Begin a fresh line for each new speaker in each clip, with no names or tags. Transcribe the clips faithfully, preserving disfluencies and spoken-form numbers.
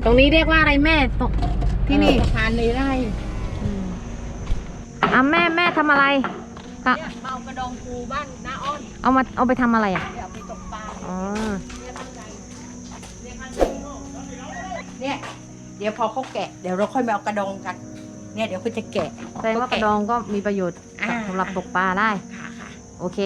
รงนี้เรียกว่าอะไรแม่ตรงที่นี่
สะพานในไร่
อ่ะแม่แม่ทำอะไร
เนี่ยเมากระดองปูบ้านน้าอ้อน
เอามาเอาไปทำอะไรอ่ะ
เอาไปตกปลา
อ๋อ
เนี่ยเดี๋ยวพอเขาแกะเดี๋ยวเราค่อยมาเอากระดองกันเนี่ยเดี๋ยวเขาจะแกะ
แสดงว่ากระดองก็มีประโยชน์สำหรับตกปลาได้โอเค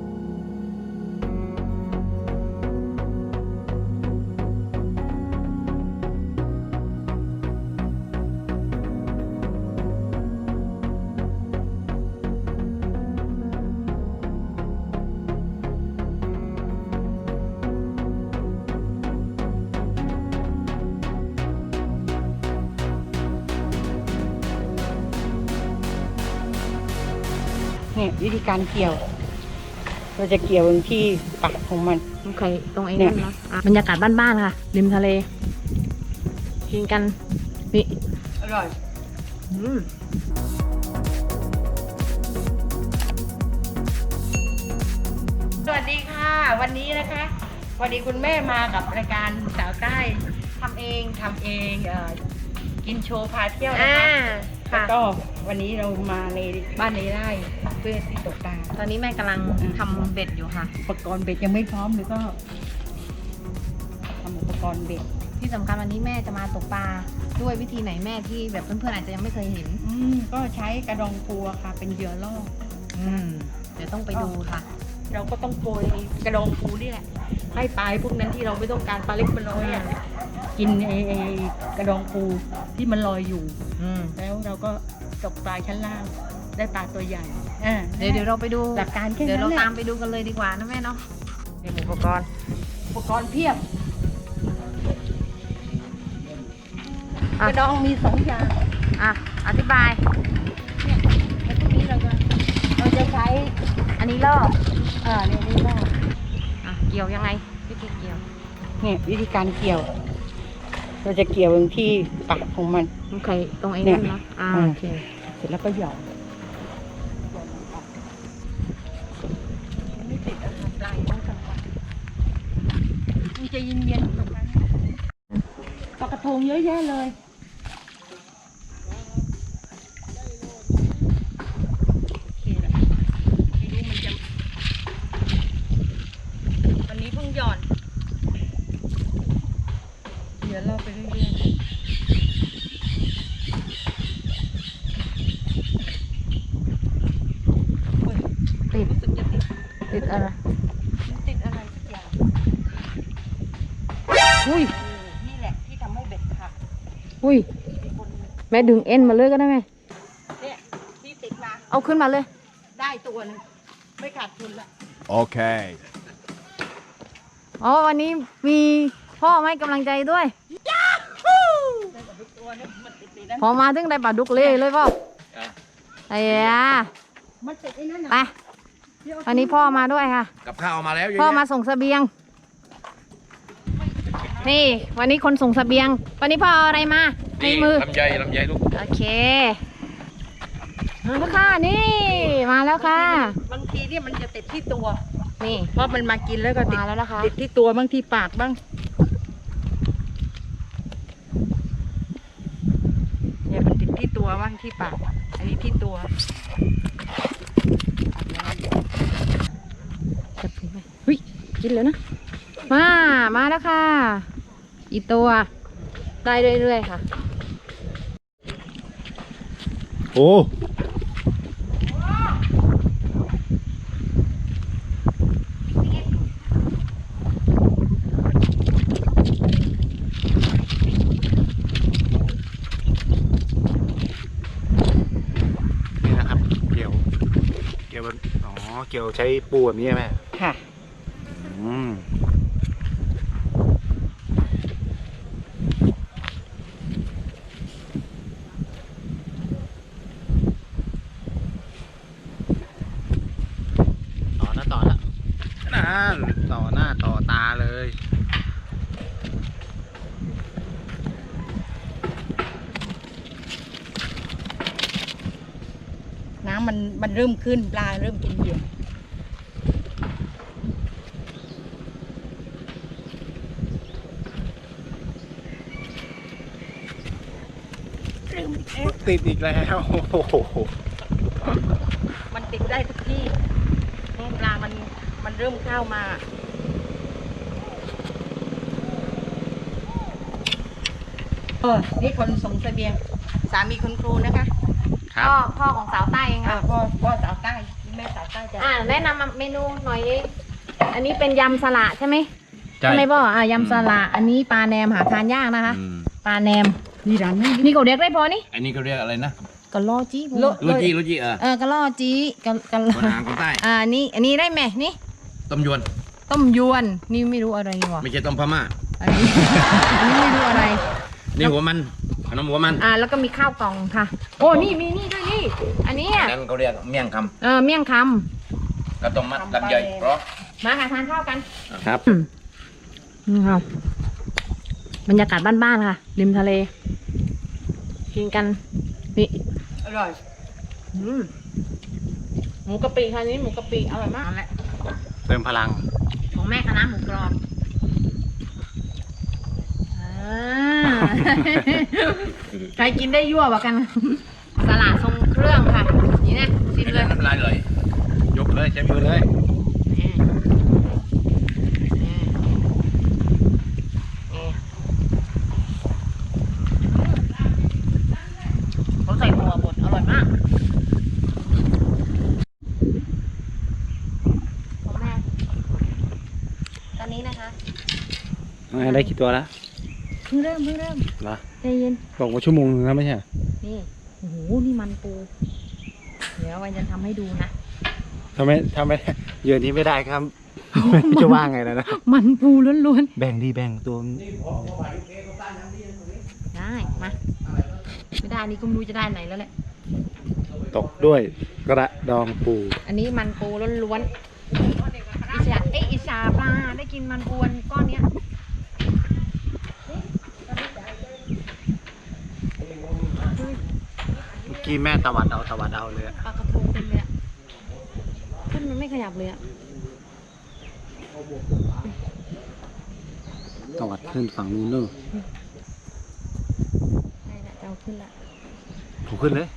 เนี่ยวิธีการเกี่ยวเราจะเกี่ยวที่ปากของมัน
โอเคตรงไอ้นั่นเนาะบรรยากาศบ้านๆค่ะริมทะเลกินกันนี่
อร่อย
อืม
สวัสดีค่ะวันนี้นะคะวันนี้คุณแม่มากับรายการสาวใต้ทำเองทำเองเอ่อกินโชว์พาเที่ยวนะคะแล้วก็วันนี้เรามาในบ้านในไร่เพื่อที่ตกปลา
ตอนนี้แม่กำลังทำเบ็ดอยู่ค่ะ
อุปกรณ์เบ็ดยังไม่พร้อมเลยก็ทำอุปกรณ์เบ็ด
ที่สำคัญวันนี้แม่จะมาตกปลาด้วยวิธีไหนแม่ที่แบบเพื่อนๆอาจจะยังไม่เคยเห็น
อืมก็ใช้กระดองปูค่ะเป็นเหยื่อล่อ
อืมเดี๋ยวต้องไปดูค่ะ
เราก็ต้องโกยกระดองปูนี่แหละให้ปลาพวกนั้นที่เราไม่ต้องการปลาเล็กปลาน้อยอ่ะกินไอ้ไอ้กระดองปูที่มันลอยอยู่แล้วเราก็ตกปลาชั้นล่างได้ปลาตัวใหญ่
เดี๋ยวเดี๋ยวเราไปดู
หลักการแค่นั้น
เดี๋ยวเราตามไปดูกันเลยดีกว่านะแม่เนาะเดี๋ยวอุปกรณ์
อุปกรณ์เพียบกระดองมีสองอย่าง
อ่ะอธิบาย
เนี่ยแล้วพวกนี้เราจะเราจะใช้
อันนี้ล่อ
อ่าเนี่ยนี่ล่อ
อ่ะเกี่ยวยังไงวิธีเกี่ยว
เนี่ยวิธีการเกี่ยวเราจะเกี่ยวที่ปากของมัน
โอเคตรงไอ้นั่นเนาะอ่าโอเค
เสร็จแล้วก็หยอดไม่ติดอาหารปลายต้องกลางวันมีจะเย็นๆตรงนั้นปลากระทงเยอะแยะเลยวันนี้เพิ่งหย่อนเดี๋ยวเราไปเรื่อยๆ
ติด
รู้สึกจะติด
ติดอะไร
ติดอะไรสักอย่าง
อุ้ย
นี่แหละที่ทำให้เบ็ดขาด
อุ้ยแม่ดึงเอ็นมาเลยก็ได้ไหม
เนี่ยที่ติดมา
เอาขึ้นมาเลย
ได้ตัวนึงไม่ขาดทุนละ
โอเค
อ๋อวันนี้มีพ่อให้กำลังใจด้วยพอมาถึงได้ปลาดุกเล่เลยพ่อไอ้ยาไปวันนี้พ่อมาด้วยค่ะ
กับข้าวมาแล้ว
พ่อมาส่งเสบียงนี่วันนี้คนส่งเสบียงวันนี้พ่อเอาอะไรมาในมือ
ลำไยลำไยลูก
โอเคมาแล้วค่ะนี่มาแล้วค่ะ
บางทีเนี่ยมันจะติดที่ตัว
นี่
เพราะมันมากินแล้วก็ติด
มาแล้วนะคะ
ติดที่ตัวบ้างที่ปากบ้างเนี่ยมันติดที่ตัวบ้างที่ปากอันนี้ที่ตัว
จับไปเฮ้ยกินแล้วนะมามาแล้วค่ะอีตัวได้เรื่อยๆค่ะ
โอ้เกี่ยวใช้ปูแบบนี้ใช่ไหม
ค่ะ
อืมต่อหน้าต่อละนั่นต่อหน้าต่อตาเลย
น้ำมันมันเริ่มขึ้นปลาเริ่มกินเหยื่อ
อ
ติดอีกแล้วโอ้โห
มันติดได้ทุกที่ปลามันมันเริ่มเข้ามาเออนี่คนส่งเสบียงสามีคุณครูนะคะ
ครับ
พ่อพ่อของสาวใต้เอง
อ่า
ค่ะ
พ่อพ่อสาวใต้แม่สาวใต้จะ
อ่าแนะนำเมนูหน่อยดิอันนี้เป็นยำสละใช่ไหม
ใช่
ใช่ไหมพ่ออ่ายำสละอันนี้ปลาแหนมหาทานยากนะคะ
อืม
ปลาแหนม
นี่ร้านนี้
นี่เขาเรียกได้พอนี่
อันนี้เขาเรียกอะไรนะ
กะล่อจี้
โล
ลูจีลูจีเออ
เออกะล่อจี้กะกะล่อ
คนหางคนใต้
อ่านี่อันนี้ได้ไหมนี่
ต้มยวน
ต้มยวนนี่ไม่รู้อะไรวะ
ไม่ใช่ต้มพม่า
อันนี้ อันนี้ไม่รู้อะไร
นี่หัวมันขนมหัวมัน
อ่าแล้วก็มีข้าวกล่องค่ะ โอ้นี่มีนี่ด้วยนี่ อันนี้อ่ะ
นั่นเขาเรียกเมี่ยงค
เออเมี่ยงค
ำกระต้มมัดลำไยเพราะ
ำมาค่ะทานข้าวกัน
ครับ
อืมนี่ค่ะบรรยากาศบ้านๆค่ะ ริมทะเล กินกันนี่
อร่อย
อืมหมูกะปิค่ะนี่หมูกะปิอร่อยมาก
นั่นแหละ
เติมพลัง
ของแม่คณะหมูกรอบอ่า ใครกินได้ยั่วกว่ากัน สลัดทรงเครื่องค่ะ นี่นะชิมเลย
น้ำลายเลยยกเลยใช้มือเลย
นี่นี่นี่เขาใส่หัวบดอร่อยมากของแม่ตอนนี้นะคะ
ได้กี่ตัวแล้ว
เพิ่งเริ่มเพิ่งเริ่ม
เหรอ
ใจเย็น
บอกว่าชั่วโมงนึงแล้วไม่ใช่
นี่ โอ้โห นี่มันปู เดี๋ยววันจะทำให้ดูนะ
ทำไมทำไมเยือนนี้ไม่ได้ครับ จะว่าไงแล้วนะ
มันปูล้วน
แบ่งดีแบ่งตัว
ๆ ได้ มา ไม่ได้อันนี้ก็ไม่รู้จะได้ไหนแล้วแหละ
ตกด้วยกระดองปู
อันนี้มันปูล้วนๆ อิชาเอ้ยอิชาปลา ได้กินมันปูอันก้อนเนี้ย
เมื่อกี้แม่ตะวัดเอาตะวัดเอาเลย
ปลากระพงเต็มเลยอะขึ้นมันไม่ขยับเลยอะ
ตะวัดขึ้นฝั่งนู้นเนอะ
ได้ละจะเอาขึ้นละ
ถูกขึ้นเลย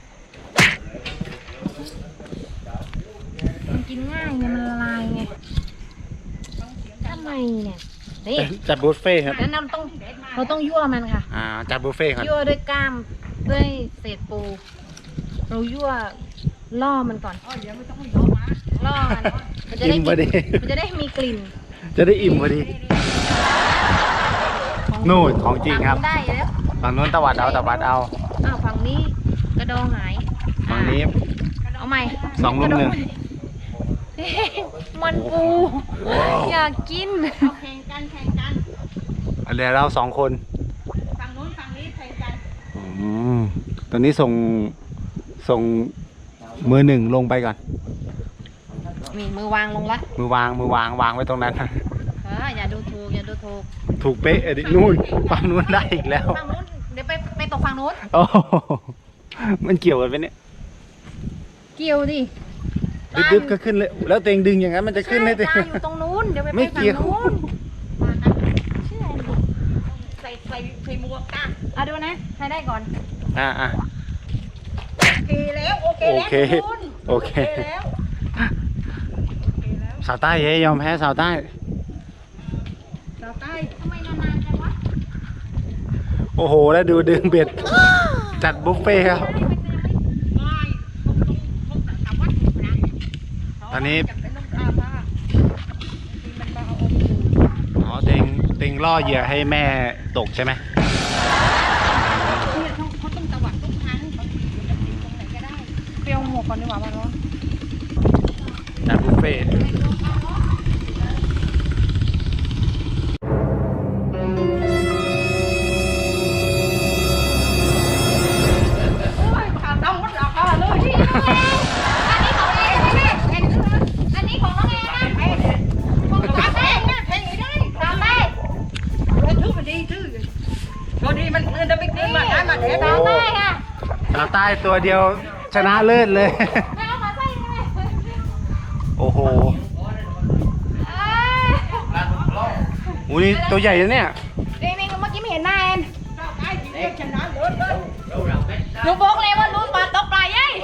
มันกินง่ายไง มันละลายไงทำไมเนี่ย นี่
จัดบุฟเฟ่ครับ
แล้วเราต้องเราต้องยั่วมันค่ะ
อ่าจัดบุฟเฟ่ครับ
ยั่วด้วยกล้ามด้วยเศษปู เรายั่วล่อมันก่อน
อ๋อเดี๋ยวไม่ต้องให้ย้อมา
ล่อมันมันจะได้
อิ่มพอดี
มันจะได้มีกลิ่น
จะได้อิ่มพอดี
ของ
นู่นของจริงครับ
ทำได้แล้ว
ฝั่งนู้นตะวัดเอาตะวัดเอา
อ้าวฝั่งนี้กระดองหาย
ฝั่งนี้
อ่ะเอาใหม่
สองลูกหนึ่ง
เอ๊ะมันปู อยากกิน
เอาแข่งกันแข่งกัน
เดี๋ยวเราสองคน
ฝั่งนู้นฝั่งนี้แข่งกัน
อืมตอนนี้ส่งส่งมือหนึ่งลงไปก่อน
มีมือวางลงละ
มือวางมือวางวางไว้ตรงนั้น
เอออย่าดูถูกอย่าดูถูก
ถูกเป๊ะดินู่นฝั่งนู้นได้อีกแล้ว
ฝั่งนู้นเดี๋ยวไปไปตกฝั่งนู้น
โอ้โหมันเกี่ยวกันไหมเนี่ย
เกี่ยวดิ
ดึบๆก็ขึ้นเลย แล้วเตงดึงอย่างนั้นมันจะขึ้นเลย
ใช่ปลาอยู่ตรงนู้นเดี๋ยวไป
ไม่
ไปฝั่ง
เกี่ยว
นู้นมานะเชื่อดิ
ใส่ใส่ใส่หมวกกัน
เอาดูนะใครได้ก่อน
อ่าอ่า
โอเคแล้วโอเค
โอ
แล้ว
เค
คุณ
โอเค
แล้ว
สาวใต้เย้ยอมแพ้สาวใต้
สาวใต้
ทำไมนานๆจังวะ
โอ้โห แล้วดูดึงเบ็ด จัดบุฟเฟ่ครับ
ไม่ต้องต้องต้องวัดนะ
ตอนนี้
จะเป็นน้ำปลาบ้าทีมันมาเอาอมอยู่
อ๋อเตงเตงล่อเหยื่อให้แม่ตกใช่ไหม
เนี่ยเขาเขาต้องตวัดทุกครั้งบางทีมันจะติดตรงไหนก็ได้เปรี้ยวหมวกก่อนดีกว่ามันร้อน
จัดบุฟเฟ่ต์
ขาดต้องวัดราคาเลย
อันนี้ของน้องเองนะ
แพงเนี่ยขาดแพงเนี่ยแพงไม่ได้
ตามไป
เราถือมันดีถือพอดีมันเงินจะไปกินมาได้มาเด็ด
ตามได้ค่ะ
สาวใต้ตัวเดียวชนะเลิศเลย
ไม่เอามาใส่เลย
โอ้โห
เอ้ย
อู้นี่ตัวใหญ่นะเนี่ย
นี่นี่เมื่อกี้ไม่เห็นหน้าแอน
ไอ้ที่ชนะเลิศเลย
หนูบอกเลยว่ารู้ปลาตกปลายัย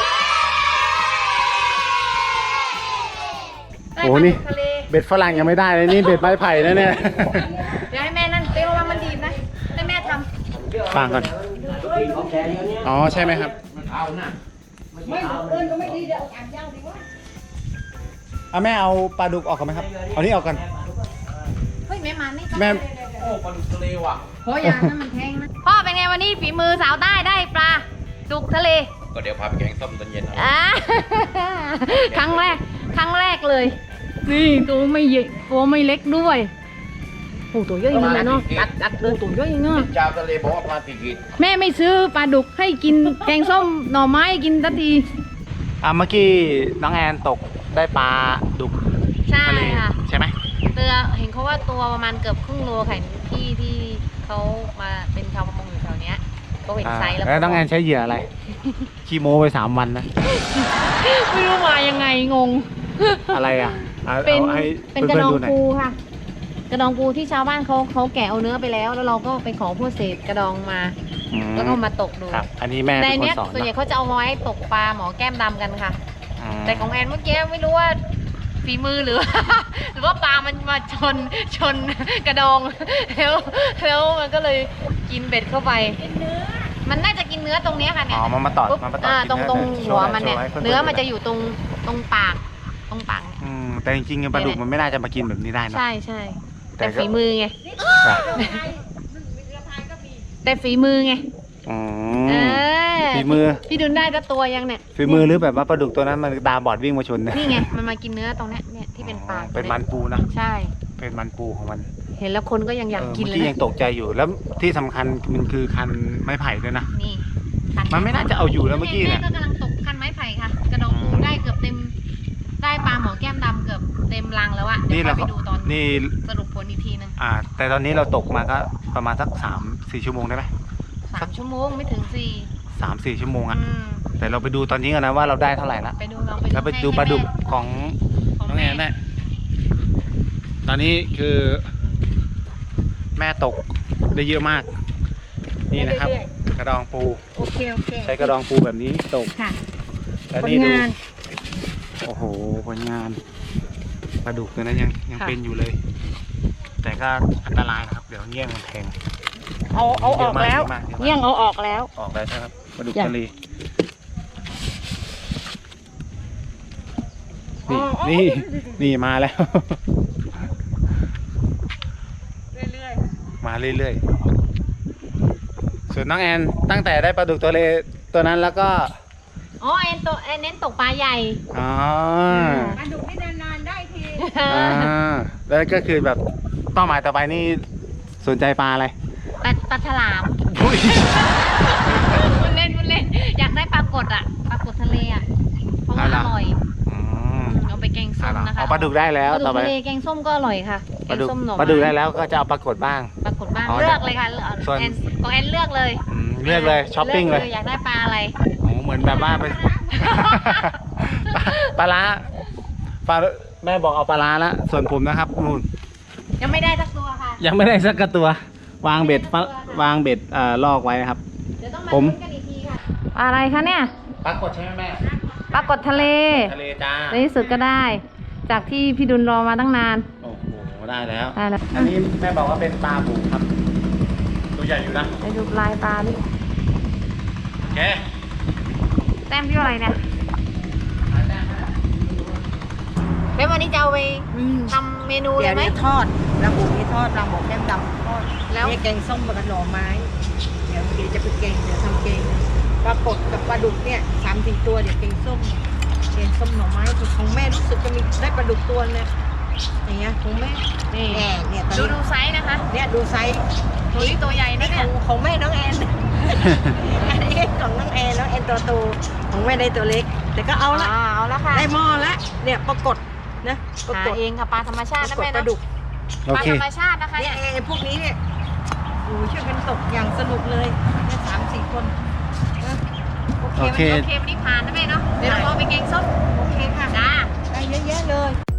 โอ้นี่เบ็ดฝรั่งยังไม่ได้เลยนี่เบ็ดไม้ไผ่นะเนี่ย
เดี๋ยวให้แม่นั่นเตี้ยวว่ามันดีนะให้แม่ท
ฟังก่อนอ๋อใช่ไหมครับ
ไม่เอิญก็ไม่ดีเดี๋ยวอ่านยาวดีวะ
เอาแม่เอาปลาดุกออกก่อนไหมครับเอานี่ออกก่อน
ำเฮ้ยแม่มานี่
แม่
โอ้ยอย่านะมันแทงนะพ่อเป็นไงวันนี้ฝีมือสาวใต้ได้ปลาดุกทะเล
ก็เดี๋ยวพาไปแกงส้มตอนเย็น
อ่า ครั้งแรกครั้งแรกเลย นี่ตัวไม่ใหญ่ตัวไม่เล็กด้วยโอ้ตัวเยอะจริงๆเนาะตัดตัดเลยตัวเยอะจริงเนาะ
เจ้าทะเลบอกว่าปลาติกิด
แม่ไม่ซื้อปลาดุกให้กินแกงส้มหน่อไม้กินทันที
อ่ะเมื่อกี้น้องแอนตกได้ปลาดุก
ใช่
ทะเล
ค่ะ
ใช่ไหม
เตือเห็นเขาว่าตัวประมาณเกือบครึ่งโลค่ะพี่ที่เขามาเป็นชาวประมงอยู่แถวเนี้ยเขาเห็น
อ่า
ไซส์แล้ว
แล้วน้องแอนใช้เหยื่ออะไรขี้โม้ไปสามวันนะ
ไม่รู้มายังไงงง
อะไรอ่ะอา
เป็น
อาให้
เป็นกระดอง
พื่ๆหน่ย
ปูค่ะ กระดองปูที่ชาวบ้านเขาเขาแกะเอาเนื้อไปแล้ว แล้วเราก็ไปขอพวกเศษกระดองมา
อืม
แล้วก็มาตกดู
ครับ อันนี้แม่
ใน
เป็นคน
เนี้ย
สอน
ส่วนใหญ่
เนอะ
เขาจะเอาไว้ตกปลาหมอแก้มดำกันค่ะ
อ่า
แต่ของแอนเมื่อกี้ไม่รู้ว่าฝีมือหรือ หรือว่าปลามันมาชนชนกระดอง แล้วแล้วมันก็เลยกินเบ็ดเข้าไป มันน่าจะกินเนื้อตรงเนี้ยค่ะเนี่
อ๋
ย
อมันมาตอด
ปุ๊บ
มันมาตอด
อ่า
กิน
ตรง
เนื้อ
ตรง
โช
หัว
ว์
มันเนี่ย
โชว์ให้พื่ๆ
เนื้อมัน
ดู
จะอยู่ตรงตรงปากตรงปากเนี่ย
อืมแต่จริงๆปลาดุกมันไม่น่าจะมากินแบบนี้ได้นะ
ใช่ใช่
แต่
แต่
ก็
ฝีมือไง
ครับ
แต่ฝีมือไง
อื
เอ
ม
อ
ฝีมือ
พี่ดุลได้แต่ตัวยังเนี่ย
ฝีมือหรือแบบว่าปลาดุกตัวนั้นมันตาบอดวิ่งมาชนเนี่ย
นี่ไงมันมากินเนื้อตรงเนี้ยเนี่ยที่เป็นปาก
เป็นมันปูนะ
ใช่
เป็นมันปูของมัน
เห็นแล้วคนก็ยังอยากกิน
เมื่
เล
อย กี้
นะ
ยังตกใจอยู่แล้วที่สำคัญมันคือคันไม้ไผ่ด้วยนะ
นี่
มันไม่น่าจะเอาอยู่แล้วเมื่อกี้เนี่ย
แม่ก็กำลังตกคันไม้ไผ่ค่ะ กระดองปูได้เกือบเต็ม ได้ปลาหมอแก้มดำเกือบเต็มรังแล้วอะเดี๋
นี่
ยว
เรา
ค่อยไปดูตอน
นี่
สรุปผลอีกทีนึง
อ่า แต่ตอนนี้เราตกมาก็ประมาณสักสามสี่ชั่วโมงได้ไหม
สามชั่วโมงไม่ถึงสี่
สามสี่ชั่วโมงอะ
อืม
แต่เราไปดูตอนนี้กันนะว่าเราได้เท่าไหร่ละ
ไปดูลองไป
แล้วไปดูปลาดุกของ
ของ
น้องแอ
แม่
นได้ตอนนี้คือ แม่ตกได้เยอะมาก นี่นะครับ กระดองปู
โอเคโอเค
ใช้กระดองปูแบบนี้ตก
ค่ะ
แล้ว
ผล
นี่ดู
งาน
โอ้โหผลงานปลาดุกตัวนั้นยังยังเป็นอยู่เลย แต่ก็อันตรายนะครับ เดี๋ยวเงี้ยงมันแทง
เอาเอาออกแล้ว
เยอะมากเยอะมาก
เยี่ยงเอาออกแล้ว
ออกแล้วใช่ครับปลาดุก
จ้ะ
ทะเลนี่นี่นี่มาแล้ว
เรื่อย
มาเรื่อยๆ ส่วนน้องแอนตั้งแต่ได้ปลาดุกตัวเลตัวนั้นแล้วก็
อ๋อแอนตัวแอนเน้นตกปลาใหญ่
อ๋อ
ๆปลาดุกนี่นานๆได้ที
อ่าแล้วก็คือแบบเป้าหมายต่อไปนี่สนใจปลาอะไร
ปลาปลาฉลาม
อุ้ย
มันเล่นมันเล่น อยากได้ปลากดอ่ะ ปลากดทะเลอ่ะ เพราะว่าอร่อย
อืม
เอาไปแกงส้มนะคะ
เอาปลาดุกได้แล้ว
ปลาดุ
ต่อก ไป
ทะเลแกงส้มก็อร่อยค่ะ แก
ปลาง ดุก
ส้มหน่อ
ปลาดุก
ไม้
ได้แล้วก็จะเอาปลากดบ้าง
ปลากดบ้าง
อ๋อ
เลือกเลยค่ะเลือก
ส่วน
แอนของแอนเลือกเลย
อืมเลือกเลยช้อปปิ้งเลย
อยากได้ปลาอะไร
โอ้เหมือนแบบว่าไป ปลาปลาร้าปลาแม่บอกเอาปลาร้าแล้วส่วนผมนะครับนู่น
ยังไม่ได้สักตัวค่ะ
ยังไม่ได้สักกระตัว วางเบ็ดปะวางเบ็ดเอ่อลอกไว้นะครับ
เดี๋ยวต้องมา
ผม
ลุ้นกันอีกทีค่ะ อะไรคะเนี่ย
ปลากดใช่ไหมแม่
ปลากดทะเล
ทะเลจ้า
ในที่สุดก็ได้ จากที่พี่ดุลรอมาตั้งนาน
โอ้โหได้แล้ว
ได้แล้ว
อันนี้แม่บอกว่าเป็นปลาบูครับ ตัวใหญ่อยู่นะ
ไปดูลายปลาดิ
โอเค
แต้มที่อะไรเนี่ยแล้ววันนี้จะเอาไปทำเมนู
เดี๋
เลย ยว ไหม
นี้ทอดปลาบุกนี่ทอดปลาหมกแก้มดำทอด
แล้ว
นี่แกงส้มกับหน่อไม้ เดี๋ยวเดี๋ยวจะไปแกงเดี๋ยวทำแกงปลากดกับปลาดุกเนี่ยสามสี่ตัวเดี๋ยวแกงส้มแกงส้มหน่อไม้ของแม่รู้สึกจะมีได้ปลาดุกตัวเนี่ยอย่างเงี้ยของแม่
นี่
แอนเนี่ยตอน
ดู
นี้
ดูไซส์นะคะ
เนี่ยดูไซส์
ตัวนี้ตัวใหญ่นะ
นี่ข
เนี่
อย งของแม่น้องแอน อันนี้ของน้องแอนน้องแอนตัวโตของแม่ได้ตัวเล็ก แต่ก็เอาละ
อ่าเอาละค่ะ
ได้หม้อละเนี่ยปรากฏนะปรา
หาก
ฏ
เองค่ะปลาธรรมชาติ
ป
นะ
รากฏ
แม่
ป
นะ
ลาดุก
โอ
ปลา
เค
ธรรมชาตินะคะ
เนี่
เนี่ย ย
ไอ้พวกนี้เนี่ยโอ้ช่วยกันตกอย่างสนุกเลยเนี่ยสามสี่คนนะ
โอเควันนี้โอเควันนี้ผ่านนะแม่เนาะเดี๋ยวเราลองไปแกงส้ม
โอเคค่ะ
จ้า
ได้เยอะแยะเลย